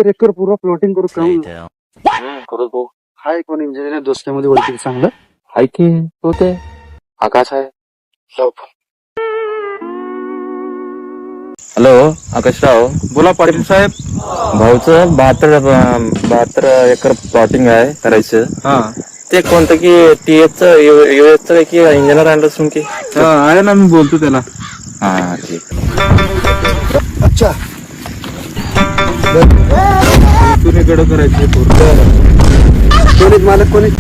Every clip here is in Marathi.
71 एकर पूर्ण प्लॉटिंग करू काम करत भाऊ. हाय कोण इंजिनियर दोस्तामध्ये ओळखी चांगलं हाय की तो ते आकाश आहे. हॅलो आकाशराव. बोला पाटील साहेब. भाऊचं 72 एकर प्लॉटिंग आहे करायचं. हा ते कोणतं की टीएच की इंजिनियर आणलं असून की आहे ना, मी बोलतो त्याला. हा ठीक. अच्छा कुणीकडे करायचे कोणी मालक कोणी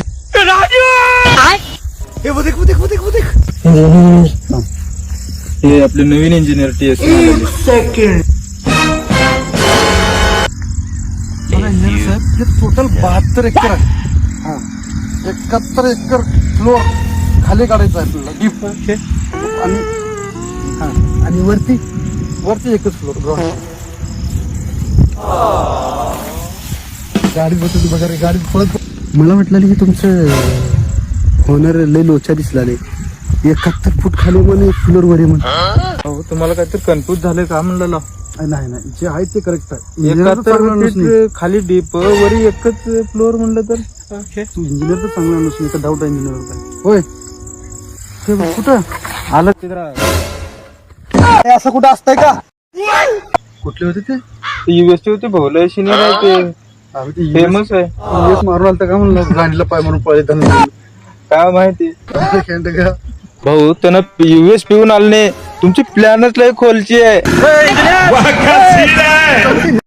हे आपले नवीन इंजिनियर टीएस सेकंड साहेब. हे टोटल 72 एकर आहे. हा 71 एकर फ्लोर खाली काढायचा आहे आपल्याला डीप. आणि वरती एकच फ्लोर ग्राउंड. गाडी बसवली बघा रे, गाडी पळत. मला वाटलं की तुमचं होणार लय लोचा दिसला नाही. 71 फूट खाली म्हणे फ्लोर वर म्हणे. तुम्हाला काहीतरी कन्फ्युज झाले का म्हणलं. नाही जे आहे ते करेक्ट आहे. 71 फीट खाली डीप वरी एकच फ्लोअर म्हणलं तर तू इंजिनियर तर चांगला नसून इथं डाऊट आहे इंजिनियर. होय ते कुठं आलं तिथं. असं कुठं असतंय का? कुठले होते ते? युएसटी होते भोवला सिनियर आहे ते फेमस आहे. मारून आलता का म्हणलं, गाडीला पाय मारून पळले त्यांना. काय माहिती का भाऊ त्यांना युएस पिऊन आले नाही. तुमची प्लॅनच लय खोलची आहे.